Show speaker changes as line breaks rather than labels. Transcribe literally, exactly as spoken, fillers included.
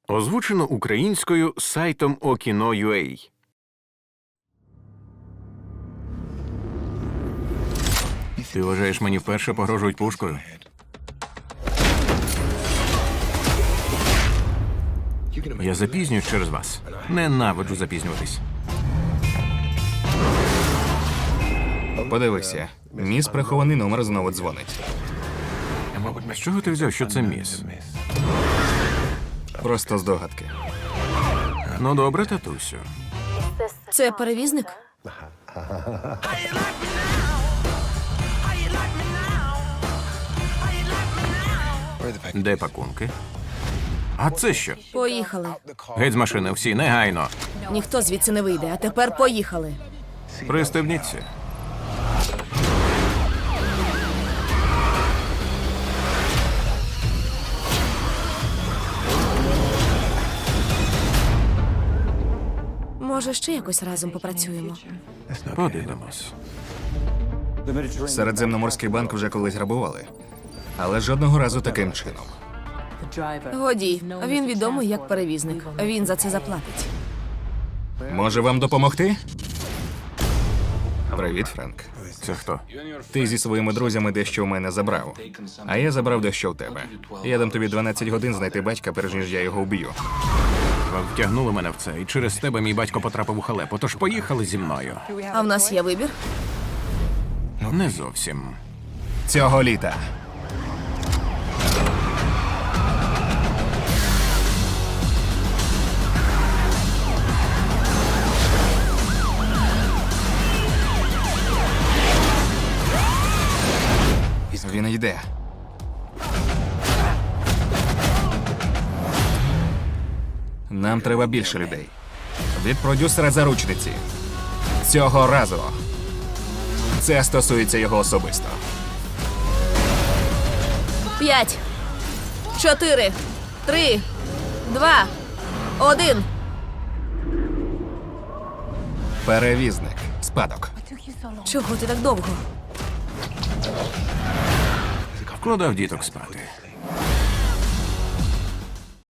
Озвучено українською сайтом Okino.ua. Ти вважаєш, мені вперше погрожують пушкою? Я запізнююсь через вас. Ненавиджу запізнюватись.
Подивися, міс прихований номер знову дзвонить.
З чого ти взяв, що це міс?
Просто здогадки.
Ну добре, татусю.
Це перевізник?
Де пакунки? А це що?
Поїхали.
Геть з машини, всі, негайно.
Ніхто звідси не вийде, а тепер поїхали.
Пристебніться.
Може, ще якось разом попрацюємо?
Подивимось.
Середземноморський банк вже колись грабували. Але жодного разу таким чином.
Годі, він відомий як перевізник. Він за це заплатить.
Може вам допомогти? Привіт, Френк.
Це хто?
Ти зі своїми друзями дещо у мене забрав. А я забрав дещо в тебе. Я дам тобі дванадцять годин знайти батька, перш ніж я його вб'ю.
Ви втягнули мене в це, і через тебе мій батько потрапив у халепу, тож поїхали зі мною.
А в нас є вибір?
Не зовсім.
Цього літа. Він йде. Нам треба більше людей. Від продюсера заручниці. Цього разу. Це стосується його особисто.
П'ять, чотири, три, два, один.
Перевізник. Спадок.
Чого ти так довго?
Вкладав діток спати.